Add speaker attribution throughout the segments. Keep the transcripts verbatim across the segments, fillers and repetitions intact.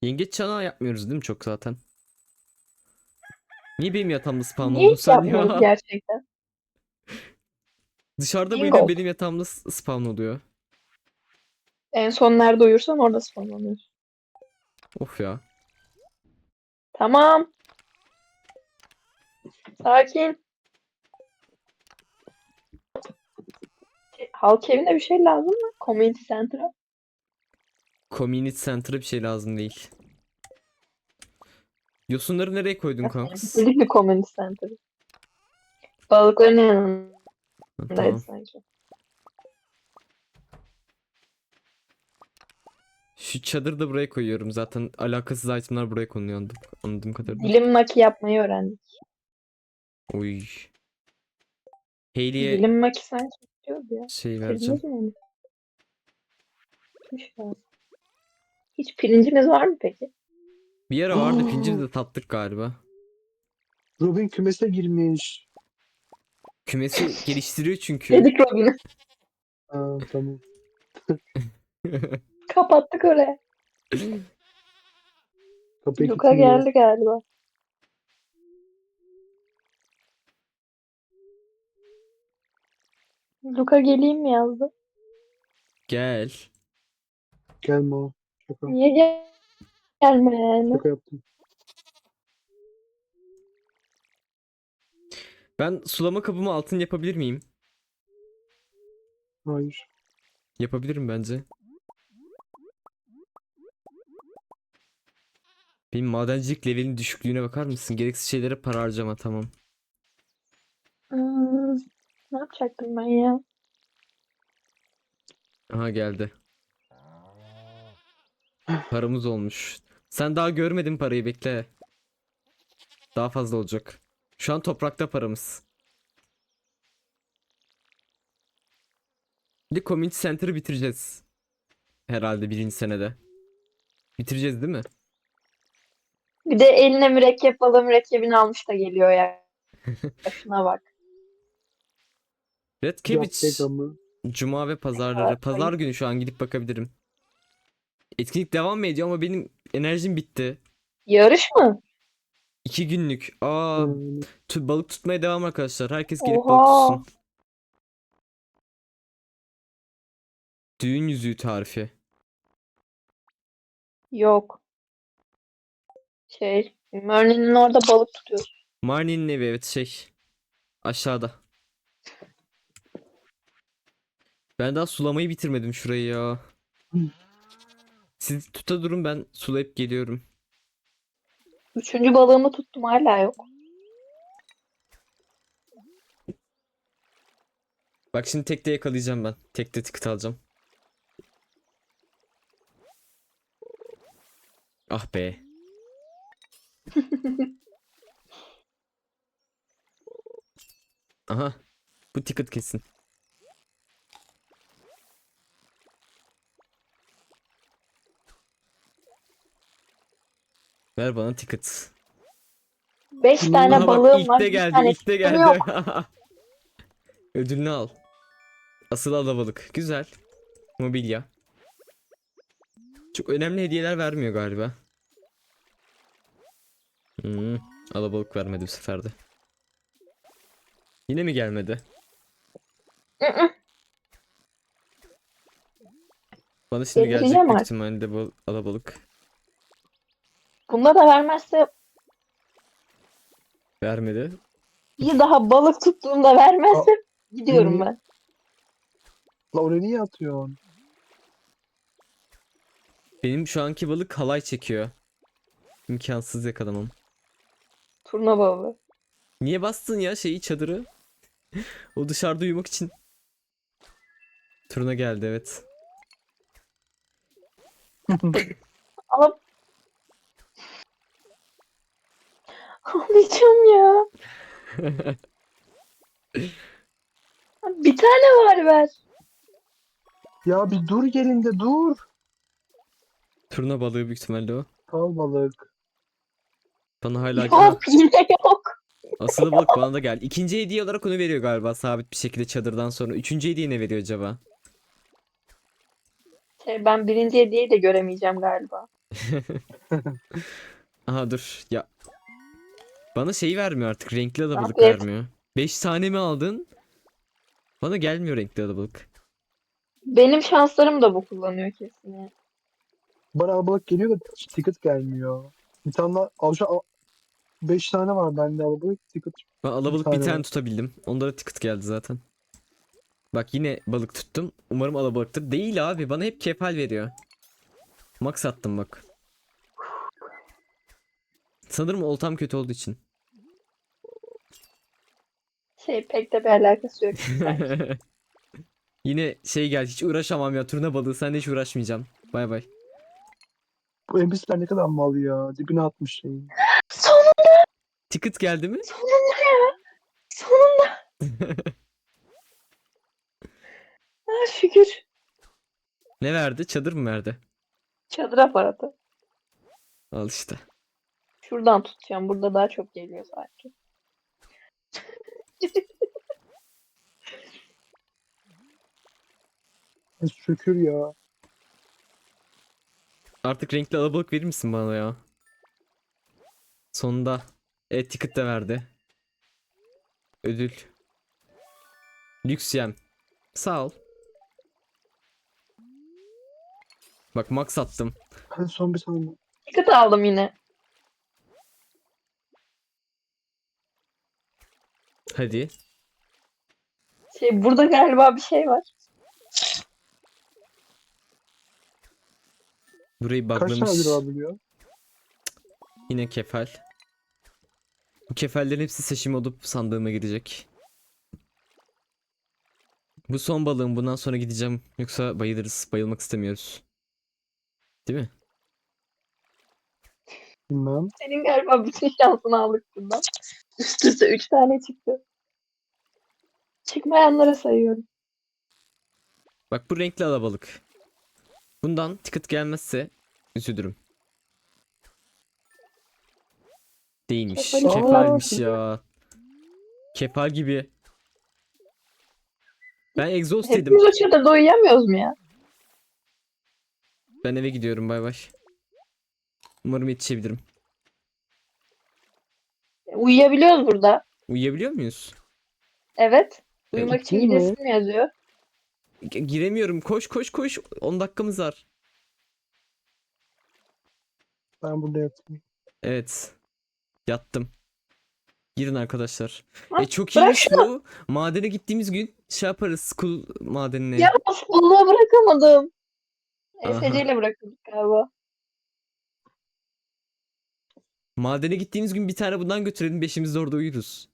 Speaker 1: Yengeç çanağı yapmıyoruz değil mi çok zaten? Niye benim yatağımda spawn
Speaker 2: Niye
Speaker 1: oldun
Speaker 2: hiç
Speaker 1: sen
Speaker 2: yapmıyoruz
Speaker 1: ya?
Speaker 2: gerçekten?
Speaker 1: Dışarıda mı yine
Speaker 2: Bingo.
Speaker 1: benim yatağımda s- spawn oluyor?
Speaker 2: En son nerede uyursan orada spawnlanıyorsun.
Speaker 1: Of ya.
Speaker 2: Tamam. Sakin. E, Halk evine bir şey lazım mı? Community center'a.
Speaker 1: Community Center'a bir şey lazım değil. Yosunları nereye koydun
Speaker 2: Aslında
Speaker 1: kanks?
Speaker 2: bitirdik mi community center'ı? Balıkların
Speaker 1: Ha,
Speaker 2: yanındaydı
Speaker 1: tamam.
Speaker 2: sanki.
Speaker 1: Şu çadırı da buraya koyuyorum. Zaten alakasız itemler buraya konuyor anladım, anladığım kadarıyla.
Speaker 2: Dilim maki yapmayı öğrendik.
Speaker 1: Oy. Hayley'e
Speaker 2: Dilim maki sanki istiyordu ya.
Speaker 1: şey vereceğim.
Speaker 2: Bitirdiniz mi onu? Bitmiş lazım. Hiç pirincimiz var mı peki?
Speaker 1: Bir ara vardı pincini de tattık galiba.
Speaker 3: Robin kümese girmiş.
Speaker 1: Kümesi geliştiriyor çünkü.
Speaker 2: Dedik Robin'e.
Speaker 3: Aa, tamam.
Speaker 2: Kapattık oraya.
Speaker 3: Kapıyı
Speaker 2: Luka
Speaker 3: kilitliyor.
Speaker 2: geldi galiba. Luka geleyim mi yazdı?
Speaker 1: Gel.
Speaker 3: Gelme o. Şaka.
Speaker 2: Niye gel gelme yani?
Speaker 3: Şaka yaptım.
Speaker 1: Ben sulama kabımı altın yapabilir miyim?
Speaker 3: Hayır.
Speaker 1: Yapabilirim bence. Benim madencilik levelin düşüklüğüne bakar mısın? Gereksiz şeylere para harcama tamam.
Speaker 2: Hmm, ne yapacaktım ben ya?
Speaker 1: Aha geldi. Paramız olmuş. Sen daha görmedin parayı bekle. Daha fazla olacak. Şu an toprakta paramız. Bir de Community Center'ı bitireceğiz. Herhalde birinci senede. Bitireceğiz değil mi?
Speaker 2: Bir de eline mürekkep balı mürekkebini almış da geliyor ya. Şuna bak.
Speaker 1: Red
Speaker 3: Yapacak
Speaker 1: Cabbage.
Speaker 3: ama.
Speaker 1: Cuma ve
Speaker 2: Ne kadar
Speaker 1: pazarları. Pazar
Speaker 2: ayıp.
Speaker 1: günü şu an gidip bakabilirim. Etkinlik devam mı ediyor ama benim enerjim bitti.
Speaker 2: Yarış mı?
Speaker 1: İki günlük. Aa,
Speaker 3: Yani,
Speaker 1: tu- balık tutmaya devam arkadaşlar. Herkes gelip balık
Speaker 2: Oha.
Speaker 1: tutsun. Düğün yüzüğü tarifi.
Speaker 2: Yok. Şey, Mörn'ün orada balık tutuyor.
Speaker 1: Marnie'nin evi evet şey. Aşağıda. Ben daha sulamayı bitirmedim şurayı ya. Siz tuta durun ben sulayıp geliyorum.
Speaker 2: Üçüncü balığımı tuttum hala yok.
Speaker 1: Bak şimdi tekte yakalayacağım ben. Tekte ticket alacağım. Ah be. Aha. Bu ticket kesin. Ver bana ticket.
Speaker 2: Beş tane
Speaker 1: Aha bak
Speaker 2: balığım
Speaker 1: ilk
Speaker 2: var.
Speaker 1: de
Speaker 2: Bir
Speaker 1: geldi,
Speaker 2: tane
Speaker 1: ilk de
Speaker 2: ticketim
Speaker 1: geldi.
Speaker 2: yok.
Speaker 1: Ödülünü al. Asıl alabalık. Güzel. Mobilya. Çok önemli hediyeler vermiyor galiba. Hmm, alabalık vermedi bu sefer de. Yine mi gelmedi?
Speaker 2: Hı-hı.
Speaker 1: Bana şimdi gelecek
Speaker 2: Getireceğim
Speaker 1: büyük
Speaker 2: artık.
Speaker 1: ihtimalle bu alabalık.
Speaker 2: Bunda da vermezse
Speaker 1: Vermedi.
Speaker 2: bir daha balık tuttuğumda
Speaker 3: Aa,
Speaker 2: vermezse gidiyorum
Speaker 3: niye?
Speaker 2: ben.
Speaker 3: La oraya niye atıyorsun?
Speaker 1: Benim şu anki balık halay çekiyor. İmkansız yakalamam.
Speaker 2: Turna balığı.
Speaker 1: Niye bastın ya şeyi çadırı? O dışarıda uyumak için. Turuna geldi evet.
Speaker 2: Ama alacağım ya. Bir tane var ver.
Speaker 3: Ya bir dur yerinde dur.
Speaker 1: Turna balığı büyük ihtimalle o.
Speaker 3: Kal balık.
Speaker 1: Bana hala... Ha,
Speaker 2: Yok yine yok.
Speaker 1: asılı balık bana da geldi. İkinci hediye olarak onu veriyor galiba sabit bir şekilde çadırdan sonra. Üçüncü hediye ne veriyor acaba?
Speaker 2: Şey, ben birinci hediyeyi de göremeyeceğim galiba.
Speaker 1: Aha dur ya. Bana şeyi vermiyor artık. Renkli alabalık
Speaker 2: Afiyet.
Speaker 1: vermiyor. beş tane mi aldın? Bana gelmiyor renkli alabalık.
Speaker 2: Benim şanslarım da bu kullanıyor kesin ya.
Speaker 3: Bana alabalık geliyor da ticket gelmiyor. Bir tane daha al şu beş tane var bende alabalık ticket
Speaker 1: Ben
Speaker 3: bir
Speaker 1: alabalık bir
Speaker 3: tane
Speaker 1: tane
Speaker 3: var.
Speaker 1: tutabildim. Onlara ticket geldi zaten. Bak yine balık tuttum. Umarım alabalıktır. Değil abi. Bana hep kefal veriyor. Max attım bak. Sanırım oltam kötü olduğu için.
Speaker 2: Şey pek de bir alakası yok sanki.
Speaker 1: Yine şey geldi. Hiç uğraşamam ya. Turna balığı. Seninle hiç uğraşmayacağım. Bay bay.
Speaker 3: Bu N P C'ler ne kadar mal ya. Dibine atmış şeyi.
Speaker 2: Sonunda,
Speaker 1: Ticket geldi mi?
Speaker 2: sonunda ya. Sonunda. Ha, şükür.
Speaker 1: Ne verdi? Çadır mı verdi?
Speaker 2: Çadır aparatı.
Speaker 1: Al işte.
Speaker 2: Şuradan tutacağım. Burada daha çok geliyor sanki.
Speaker 3: E, şükür ya.
Speaker 1: Artık renkli alabalık verir misin bana ya? Sonunda. Evet ticket de verdi. Ödül. Lüks yem. Sağ ol. Bak max attım.
Speaker 3: Hadi son bir tane.
Speaker 2: Ticket aldım yine.
Speaker 1: Hadi.
Speaker 2: Şey burada galiba bir şey var.
Speaker 1: Burayı
Speaker 3: Kaç tane
Speaker 1: buglamış.
Speaker 3: ödül alabiliyor?
Speaker 1: Yine kefal. Bu kefallerin hepsi seçim olup sandığıma girecek. Bu son balığım. Bundan sonra gideceğim. Yoksa bayılırız. Bayılmak istemiyoruz. Değil mi?
Speaker 3: Bilmem.
Speaker 2: Senin galiba bütün şansını aldık bundan. Üst üste üç tane çıktı. Çıkmayanlara sayıyorum.
Speaker 1: Bak bu renkli alabalık. Bundan ticket gelmezse üzülürüm. Değilmiş.
Speaker 2: Kefal
Speaker 3: işte.
Speaker 1: Kefalmiş
Speaker 3: Aa.
Speaker 1: ya. Kefal gibi. Ben egzoz dedim.
Speaker 2: Hepimiz o çadırda uyuyamıyoruz mu ya?
Speaker 1: Ben eve gidiyorum bay bay. Umarım yetişebilirim.
Speaker 2: Uyuyabiliyoruz burada.
Speaker 1: Uyuyabiliyor muyuz?
Speaker 2: Evet.
Speaker 1: E,
Speaker 2: Uyumak için
Speaker 3: Değil mi?
Speaker 2: gidesim mi yazıyor?
Speaker 1: G- giremiyorum. Koş koş koş. on dakikamız var.
Speaker 3: Ben burada yatayım.
Speaker 1: Evet. Yattım. Girin arkadaşlar.
Speaker 2: Ha,
Speaker 1: E çok
Speaker 2: bırak
Speaker 1: iyiymiş bu. Madene gittiğimiz gün şey yaparız. School madenine.
Speaker 2: Ya of, balığı bırakamadım.
Speaker 1: Aha.
Speaker 2: E S C ile bırakıldık galiba.
Speaker 1: Madene gittiğimiz gün bir tane bundan götürelim. Beşimiz de orada uyuruz.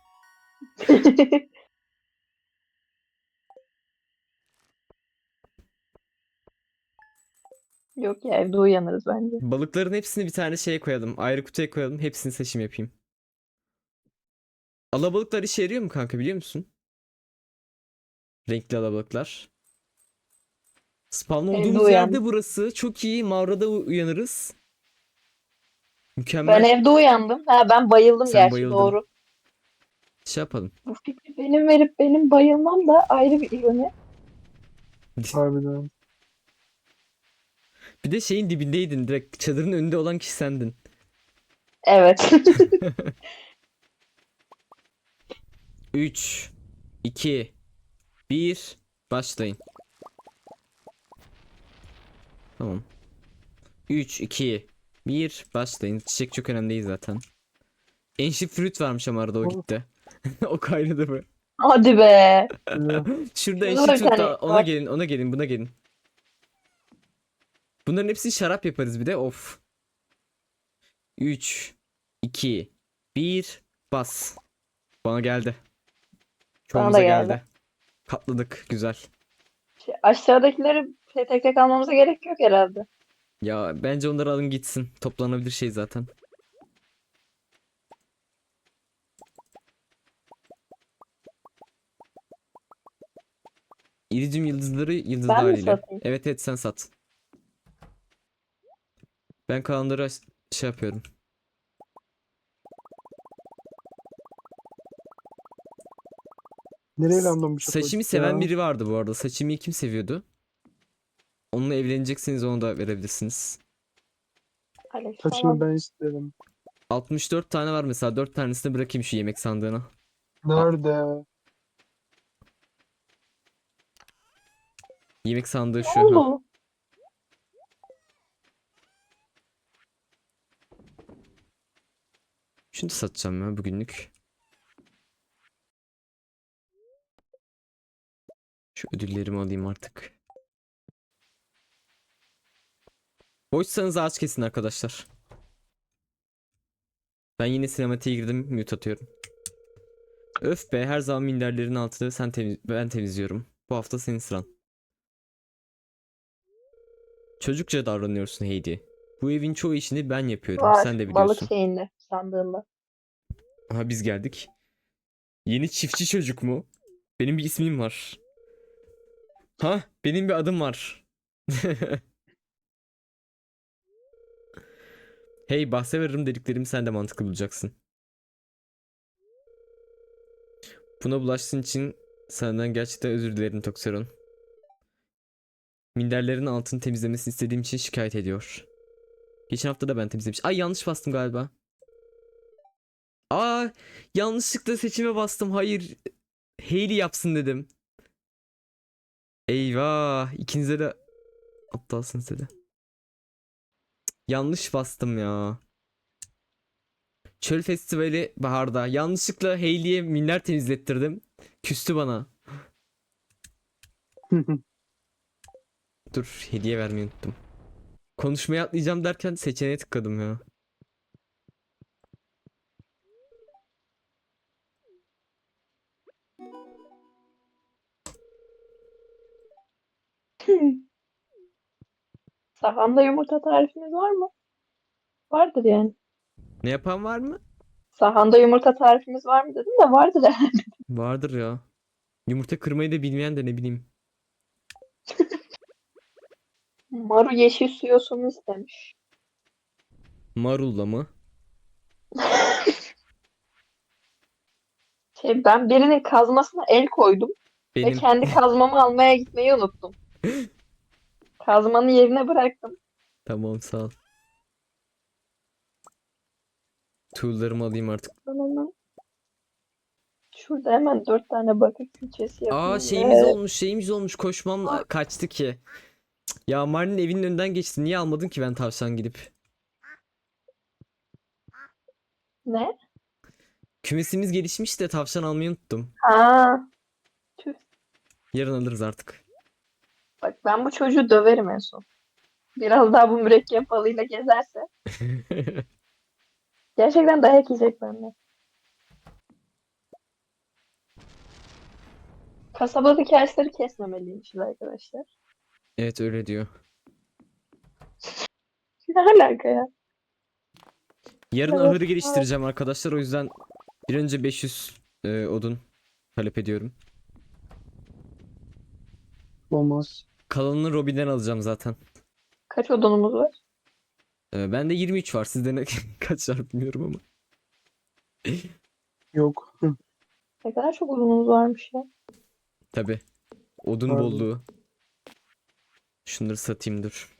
Speaker 2: Yok ya evde uyanırız bence.
Speaker 1: Balıkların hepsini bir tane şeye koyalım. Ayrı kutuya koyalım. Hepsini seçim yapayım. Alabalıklar işe yarıyor mu kanka biliyor musun? Renkli alabalıklar. Spawn
Speaker 2: Evde
Speaker 1: olduğumuz yerde
Speaker 2: uyandım.
Speaker 1: burası. Çok iyi. Mağarada u- uyanırız.
Speaker 2: Ben
Speaker 1: Mükemmel.
Speaker 2: evde uyandım. Ha ben bayıldım
Speaker 1: Sen
Speaker 2: gerçi
Speaker 1: bayıldın.
Speaker 2: doğru.
Speaker 1: Şey yapalım.
Speaker 2: Bu fikri benim verip benim bayılmam da ayrı bir ironi.
Speaker 3: Harbiden.
Speaker 1: Bir de şeyin dibindeydin. Direkt çadırın önünde olan kişi sendin.
Speaker 2: Evet.
Speaker 1: üç, iki, bir. Başlayın. Tamam. üç, iki, bir. Başlayın. Çiçek çok önemli değil zaten. Ancient Fruit varmış ama arada o
Speaker 3: Oh.
Speaker 1: gitti. O kaynadı mı?
Speaker 2: Hadi be.
Speaker 3: Şuraya.
Speaker 1: Şurada
Speaker 2: Şurada
Speaker 1: Ancient
Speaker 2: bir
Speaker 1: Fruit
Speaker 2: tane
Speaker 1: da ona
Speaker 2: var.
Speaker 1: gelin ona gelin buna gelin. Bunların hepsini şarap yaparız bir de of. üç, iki, bir. Bas. Bana geldi.
Speaker 2: Bana
Speaker 1: Çoğumuza
Speaker 2: da
Speaker 1: geldi.
Speaker 2: geldi.
Speaker 1: Katladık güzel.
Speaker 2: Şey, aşağıdakileri şey, tek tek almamıza gerek yok herhalde.
Speaker 1: Ya bence onları alın gitsin. Toplanabilir şey zaten. İridium yıldızları yıldızlı
Speaker 2: Ben mi
Speaker 1: haliyle.
Speaker 2: satayım?
Speaker 1: Evet evet sen sat. Ben kalanları aş- şey yapıyorum.
Speaker 3: Nereye random bir şey
Speaker 1: Saçimi
Speaker 3: koyduk
Speaker 1: seven
Speaker 3: ya?
Speaker 1: biri vardı bu arada. Saçimi kim seviyordu? Onunla evlenecekseniz onu da verebilirsiniz.
Speaker 2: Alex
Speaker 3: Kaçını
Speaker 2: falan.
Speaker 3: ben isterim.
Speaker 1: altmış dört tane var mesela. dört tanesini bırakayım şu yemek sandığına.
Speaker 3: Nerede?
Speaker 1: Yemek sandığı
Speaker 2: Ne
Speaker 1: şu. Ha.
Speaker 2: oldu?
Speaker 1: Şunu da satacağım ya bugünlük. Şu ödüllerimi alayım artık. Boşsanız ağaç kesin arkadaşlar. Ben yine sinematiğe girdim. Mute atıyorum. Öf be, her zaman minderlerin altını sen temiz ben temizliyorum. Bu hafta senin sıran. Çocukça davranıyorsun Heidi. Bu evin çoğu işini ben yapıyorum.
Speaker 2: Var.
Speaker 1: Sen de
Speaker 2: Balık
Speaker 1: biliyorsun.
Speaker 2: şeyinde. Sandığında.
Speaker 1: Aha biz geldik. Yeni çiftçi çocuk mu? Benim bir ismim var. Ha, benim bir adım var. Hey, bahse veririm dediklerimi sen de mantıklı bulacaksın. Buna bulaştığın için senden gerçekten özür dilerim Toxeron. Minderlerin altını temizlemesini istediğim için şikayet ediyor. Geçen hafta da ben temizlemiş. Ay, yanlış bastım galiba. Aa, yanlışlıkla seçime bastım. Hayır. Hayley yapsın dedim. Eyvah. İkinize de aptalsınız dedi. Yanlış bastım ya. Çöl Festivali baharda. Yanlışlıkla Hayley'e minder temizlettirdim. Küstü bana. Dur, hediye vermeyi unuttum. Konuşmaya atlayacağım derken seçeneğe tıkladım ya.
Speaker 2: Sahanda yumurta tarifiniz var mı? Vardır yani.
Speaker 1: Ne yapan var mı?
Speaker 2: Sahanda yumurta tarifimiz var mı dedim de vardır herhalde.
Speaker 1: Vardır ya. Yumurta kırmayı da bilmeyen de ne bileyim.
Speaker 2: Maru yeşil su yosunu istemiş.
Speaker 1: Marulla mı?
Speaker 2: Şey, ben birinin kazmasına el koydum ve
Speaker 1: Benim.
Speaker 2: kendi kazmamı almaya gitmeyi unuttum. Kazmanı yerine bıraktım.
Speaker 1: Tamam, sağ ol. Tool'larımı alayım artık.
Speaker 2: Ben hemen şurada hemen dört tane bakır külçesi
Speaker 1: Aa,
Speaker 2: yapayım
Speaker 1: şeyimiz
Speaker 2: ve
Speaker 1: olmuş şeyimiz olmuş. Koşmam kaçtı ki. Cık, ya Marlin evinin önünden geçti. Niye almadın ki ben tavşan gidip?
Speaker 2: ne?
Speaker 1: Kümesimiz gelişmiş de tavşan almayı unuttum.
Speaker 2: Ha, tüh.
Speaker 1: Yarın alırız artık.
Speaker 2: Bak ben bu çocuğu döverim en son. Biraz daha bu mürekkep balığıyla gezerse. Gerçekten dayak yiyecek benden. Kasabadaki ağaçları kesmemeliymişiz arkadaşlar.
Speaker 1: Evet, öyle diyor.
Speaker 2: Ne alaka ya?
Speaker 1: Yarın
Speaker 2: Evet.
Speaker 1: ahırı geliştireceğim arkadaşlar. O yüzden bir önce beş yüz e, odun talep ediyorum.
Speaker 3: Olmaz.
Speaker 1: Kalanını Robin'den alacağım zaten.
Speaker 2: Kaç odunumuz var?
Speaker 1: E, bende yirmi üç var. Sizde ne kaç var bilmiyorum ama.
Speaker 3: Yok. Hı,
Speaker 2: Ne kadar çok odunumuz varmış ya.
Speaker 1: Tabi. Odun
Speaker 3: Pardon.
Speaker 1: bolluğu. Şunları satayım, dur.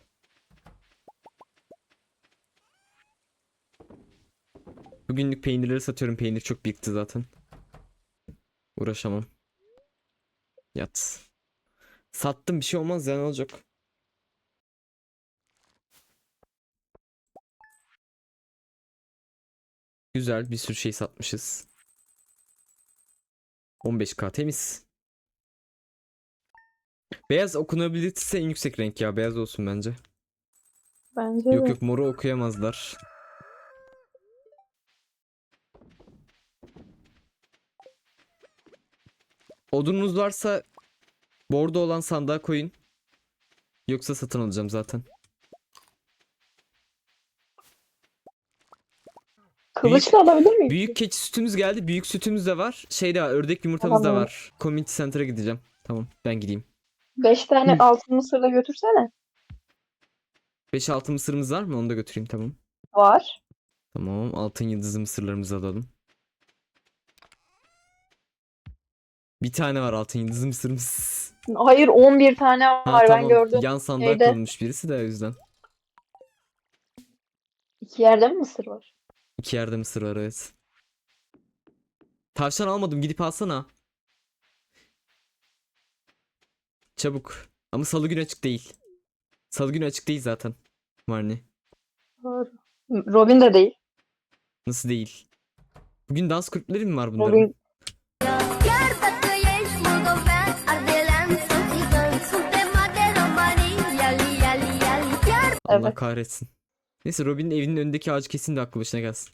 Speaker 1: Bugünlük peynirleri satıyorum. Peynir çok birikti zaten. Uğraşamam. Yat. Sattım, bir şey olmaz ya, ne olacak? Güzel, bir sürü şey satmışız. on beş K temiz. Beyaz okunabilitesi en yüksek renk ya. Beyaz olsun bence.
Speaker 2: Bence
Speaker 1: Yok
Speaker 2: de.
Speaker 1: yok, moru okuyamazlar. Odununuz varsa bordo olan sandığa koyun. Yoksa satın alacağım zaten.
Speaker 2: Kılıçla alabilir miyim?
Speaker 1: Büyük keçi sütümüz geldi. Büyük sütümüz de var. Şey de var, ördek yumurtamız da
Speaker 2: Tamam.
Speaker 1: var. Community Center'a gideceğim. Tamam, ben gideyim.
Speaker 2: Beş tane
Speaker 3: Hı.
Speaker 2: altın mısır da götürsene.
Speaker 1: beş altı mısırımız var mı? Onu da götüreyim, tamam.
Speaker 2: Var.
Speaker 1: Tamam, altın yıldızlı mısırlarımızı alalım. Bir tane var altın yıldızlı mısırımız.
Speaker 2: Hayır on bir tane
Speaker 1: Ha
Speaker 2: var ben
Speaker 1: tamam,
Speaker 2: gördüm.
Speaker 1: yan sandığa
Speaker 2: Şeyde.
Speaker 1: konulmuş birisi de o yüzden.
Speaker 2: İki yerde mi mısır var?
Speaker 1: İki yerde mısır var, evet. Tavşan almadım, gidip alsana. Çabuk. Ama salı günü açık değil. Salı günü açık değil zaten. Marni.
Speaker 2: Doğru. Robin de değil.
Speaker 1: Nasıl değil? Bugün dans kulüpleri mi var bunların?
Speaker 2: Robin
Speaker 4: Piérdate y es modo fan, Ardelan son son tema de Romani, yali yali yali. Piérdate.
Speaker 1: Allah
Speaker 2: evet.
Speaker 1: kahretsin. Neyse, Robin'in evinin önündeki ağacı kesin de aklı başına gelsin.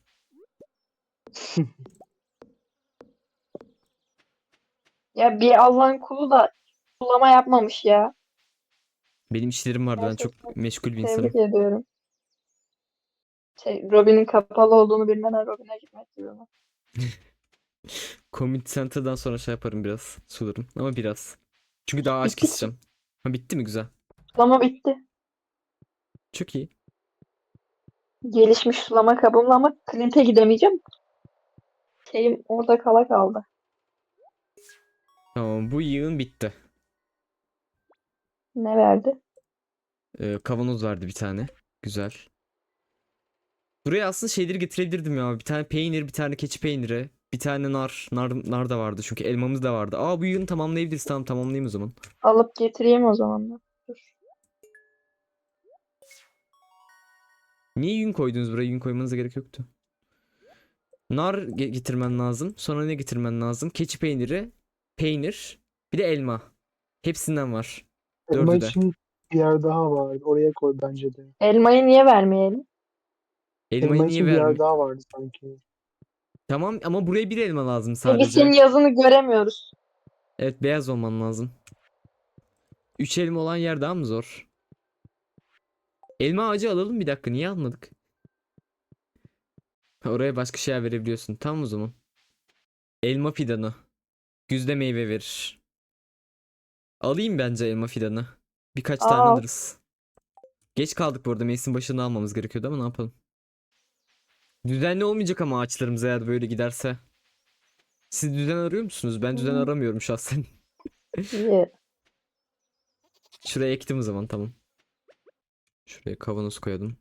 Speaker 2: Ya bir Allah'ın kulu da sulama yapmamış ya.
Speaker 1: Benim işlerim vardı, ben
Speaker 2: Gerçekten
Speaker 1: çok meşgul bir insanım.
Speaker 2: tebrik ediyorum. Şey, Robin'in kapalı olduğunu bilmeden Robin'e gitmek gibi mi?
Speaker 1: Community Center'dan sonra şey yaparım biraz. Sularım ama biraz. Çünkü daha ağaç
Speaker 2: Bitti ki.
Speaker 1: keseceğim. Ha, bitti mi? Güzel.
Speaker 2: Sulama bitti.
Speaker 1: Çok iyi.
Speaker 2: Gelişmiş sulama kabımla ama Clint'e gidemeyeceğim. Şeyim orada kala kaldı.
Speaker 1: Tamam, bu yığın bitti.
Speaker 2: Ne verdi?
Speaker 1: Ee, kavanoz verdi bir tane. Güzel. Buraya aslında şeyleri getirebilirdim ya. Bir tane peynir, bir tane keçi peyniri. Bir tane nar. Nar, nar da vardı çünkü elmamız da vardı. Aa, bu yığını tamamlayabiliriz. Tamam, tamamlayayım o zaman.
Speaker 2: Alıp getireyim o zaman da. Dur.
Speaker 1: Niye yün koydunuz buraya? Yün koymanıza gerek yoktu. Nar ge- getirmen lazım. Sonra ne getirmen lazım? Keçi peyniri, peynir, bir de elma. Hepsinden var.
Speaker 3: Elma
Speaker 1: Dördü de.
Speaker 3: için bir yer daha var. Oraya koy bence de.
Speaker 2: Elmayı niye vermeyelim?
Speaker 1: Elmayı
Speaker 3: Elma
Speaker 1: niye
Speaker 3: için bir yer
Speaker 1: vermi?
Speaker 3: daha vardı sanki.
Speaker 1: Tamam ama buraya bir elma lazım
Speaker 2: Peki senin
Speaker 1: sadece.
Speaker 2: yazını göremiyoruz.
Speaker 1: Evet, beyaz olman lazım. Üç elma olan yer daha mı zor? Elma ağacı alalım, bir dakika, niye almadık? Ha, oraya başka şeyler verebiliyorsun. Tamam o zaman. Elma fidanı. Güzde meyve verir. Alayım bence elma fidanı. Birkaç tane
Speaker 2: Aa,
Speaker 1: alırız. Geç kaldık bu arada. Mevsim başında almamız gerekiyordu ama ne yapalım. Düzenli olmayacak ama ağaçlarımız eğer böyle giderse. Siz düzen arıyor musunuz? Ben düzen
Speaker 2: hı,
Speaker 1: aramıyorum şahsen.
Speaker 2: iyi.
Speaker 1: Şuraya ektim o zaman, tamam. Şuraya kavanoz koyalım.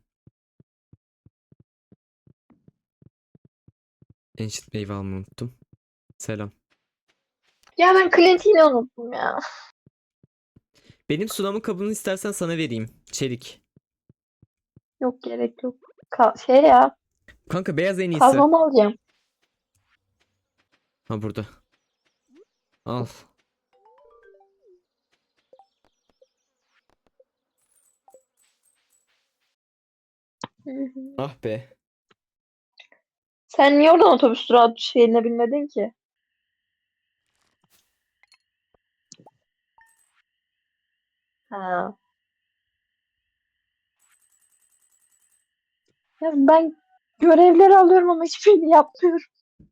Speaker 1: Ancient meyve almayı unuttum. Selam.
Speaker 2: Ya ben Clint'i yine unuttum ya.
Speaker 1: Benim sulama kabını istersen sana vereyim. Çelik.
Speaker 2: Yok gerek yok. Ka- şey ya.
Speaker 1: Kanka, beyaz en iyisi.
Speaker 2: Kazmamı alacağım.
Speaker 1: Ha, burada. Al.
Speaker 2: Hı hı.
Speaker 1: Ah be.
Speaker 2: Sen niye oradan otobüs durağı şeyine binmedin ki? Ha. Ya ben görevleri alıyorum ama hiçbirini yapmıyorum.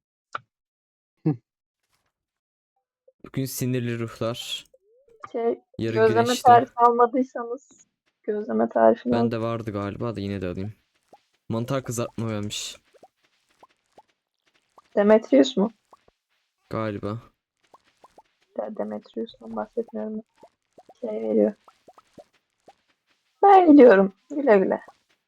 Speaker 1: Bugün sinirli ruhlar.
Speaker 2: Şey,
Speaker 1: Yarı
Speaker 2: gözleme
Speaker 1: güneşte.
Speaker 2: tarifi almadıysanız gözleme tarifini al.
Speaker 1: Bende vardı galiba da yine de alayım. Mantar kızartma vermiş.
Speaker 2: Demetrius mu?
Speaker 1: Galiba.
Speaker 2: De Demetrius'tan bahsetmiyorum. Şey veriyor. Ben gidiyorum. Güle güle.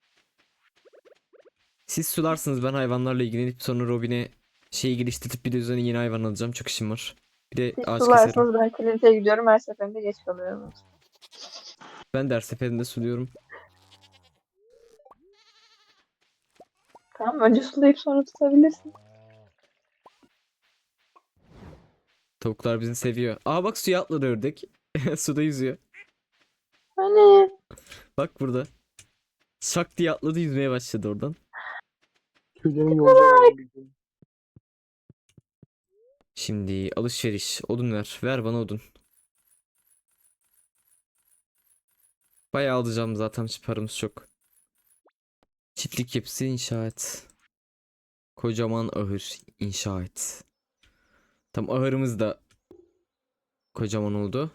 Speaker 1: Siz sularsınız, ben hayvanlarla ilgilenip sonra Robin'e şeyi geliştirip bir de üzerine yeni hayvan alacağım. Çok işim var. Bir de
Speaker 2: Siz
Speaker 1: ağaç keserim.
Speaker 2: sularsınız ben Clint'e gidiyorum. Her seferinde geç kalıyorum.
Speaker 1: Ben de her seferinde suluyorum.
Speaker 2: Tamam önce sulayıp sonra tutabilirsin.
Speaker 1: Tavuklar bizi seviyor. Aa bak, suya atladı ördek. Suda yüzüyor.
Speaker 2: Hani
Speaker 1: Bak burada. Şak diye atladı, yüzmeye başladı oradan.
Speaker 3: Tüylerini yolacağım ama bir gün.
Speaker 1: Şimdi alışveriş. Odun ver. Ver bana odun. Bayağı alacağım zaten, paramız çok. Çiftlik yapısı inşa et. Kocaman ahır inşa et. Tam ahırımız da kocaman oldu.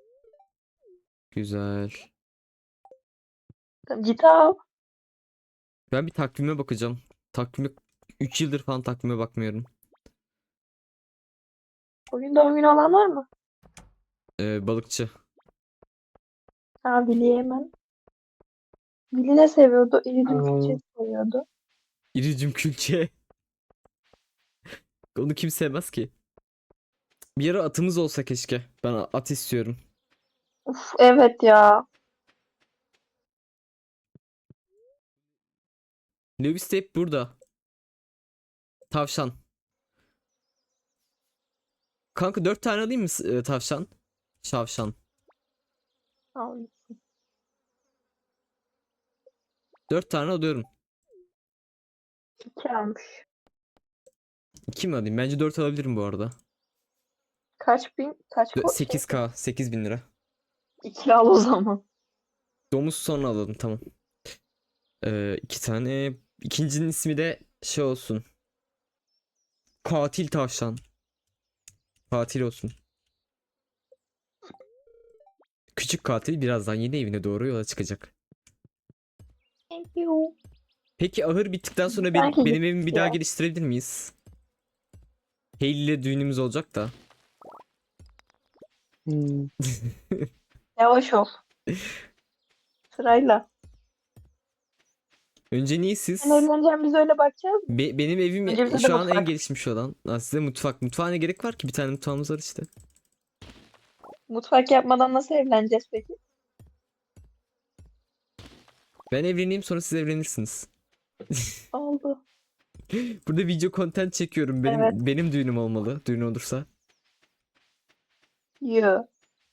Speaker 1: Güzel.
Speaker 2: tamam, git al.
Speaker 1: Ben bir takvime bakacağım. Takvime üç yıldır falan takvime bakmıyorum.
Speaker 2: Bugün doğum günü olan var mı?
Speaker 1: Ee, balıkçı.
Speaker 2: Ha Billy'e hemen. Billy ne seviyordu? İridium
Speaker 3: Aa.
Speaker 2: külçesi seviyordu.
Speaker 1: İricim külçe. Onu kim sevmez ki? Bir ara atımız olsa keşke. Ben at istiyorum.
Speaker 2: Uf, evet ya.
Speaker 1: Lewis de hep burada. Tavşan. Kanka dört tane alayım mı s- e, tavşan? Şavşan.
Speaker 2: Al.
Speaker 1: Dört tane alıyorum.
Speaker 2: İki almış.
Speaker 1: İki mi alayım? Bence dört alabilirim bu arada.
Speaker 2: Kaç bin? Kaç
Speaker 1: Dö-
Speaker 2: ko-
Speaker 1: sekiz
Speaker 2: şey?
Speaker 1: k. sekiz bin lira.
Speaker 2: İki al o zaman.
Speaker 1: Domuz sonra alalım tamam. Ee, iki tane. İkincinin ismi de şey olsun. Katil tavşan. Katil olsun. Küçük katil birazdan yeni evine doğru yola çıkacak.
Speaker 2: Thank you.
Speaker 1: Peki ahır bittikten sonra benim,
Speaker 2: Sanki
Speaker 1: benim evimi bir daha
Speaker 2: ya.
Speaker 1: geliştirebilir miyiz? Hayley ile düğünümüz olacak da.
Speaker 3: Hmm.
Speaker 2: Yavaş ol. Sırayla.
Speaker 1: Önce niye
Speaker 2: Sen
Speaker 1: siz?
Speaker 2: evleneceğim biz öyle bakacağız mı?
Speaker 1: Be- benim evim
Speaker 2: Önce bize de
Speaker 1: şu an en
Speaker 2: mutfak.
Speaker 1: gelişmiş olan. Ha, size mutfak. Mutfağa ne gerek var ki? Bir tane mutfağımız var işte.
Speaker 2: Mutfak yapmadan nasıl evleneceğiz peki?
Speaker 1: Ben evleneyim sonra siz evlenirsiniz.
Speaker 2: Oldu.
Speaker 1: Burada video content çekiyorum. Benim
Speaker 2: Evet.
Speaker 1: benim düğünüm olmalı. Düğün olursa.
Speaker 2: Yo.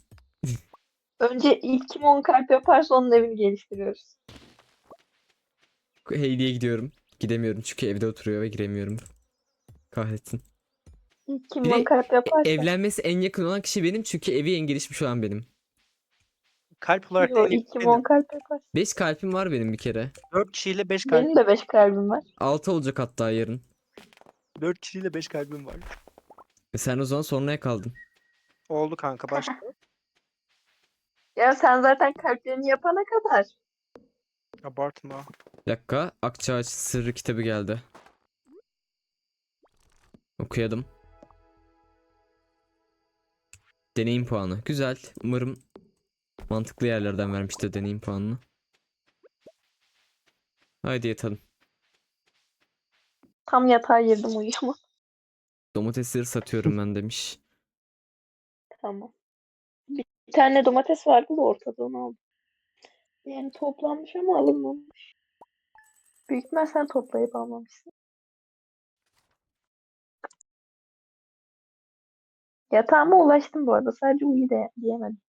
Speaker 2: Önce ilk kim on kalp yaparsa onun evini geliştiriyoruz.
Speaker 1: Hayley'e gidiyorum. Gidemiyorum çünkü evde oturuyor ve giremiyorum. Kahretsin.
Speaker 2: İlk kim
Speaker 1: Bir
Speaker 2: on
Speaker 1: de
Speaker 2: kalp yaparsa.
Speaker 1: evlenmesi en yakın olan kişi benim çünkü evi en gelişmiş olan benim.
Speaker 5: Kalp olarak
Speaker 2: Yo,
Speaker 5: en
Speaker 2: ilk kim
Speaker 5: benim.
Speaker 2: on kalp yaparsa.
Speaker 1: beş kalbim var benim bir kere.
Speaker 5: dört kişiyle beş kalp.
Speaker 2: Benim de beş kalbim var.
Speaker 1: altı olacak hatta yarın.
Speaker 5: dört kişiyle beş kalbim var.
Speaker 1: E sen o zaman sonraya kaldın.
Speaker 5: Oldu kanka başka.
Speaker 2: Ya sen zaten kalplerini yapana kadar.
Speaker 5: Abartma.
Speaker 1: Bir dakika. Akçaağaç Sırrı kitabı geldi. Okuyalım. Deneyim puanı. Güzel. Umarım mantıklı yerlerden vermiştir deneyim puanını. Haydi yatalım.
Speaker 2: Tam yatağa girdim uyuyamam.
Speaker 1: Domatesleri satıyorum ben demiş.
Speaker 2: Tamam. Bir tane domates vardı da ortada onu aldım. Yani toplanmış ama alınmamış. Büyük ihtimal sen toplayıp almamışsın. Yatağıma ulaştım bu arada. Sadece uyu de diyemedim.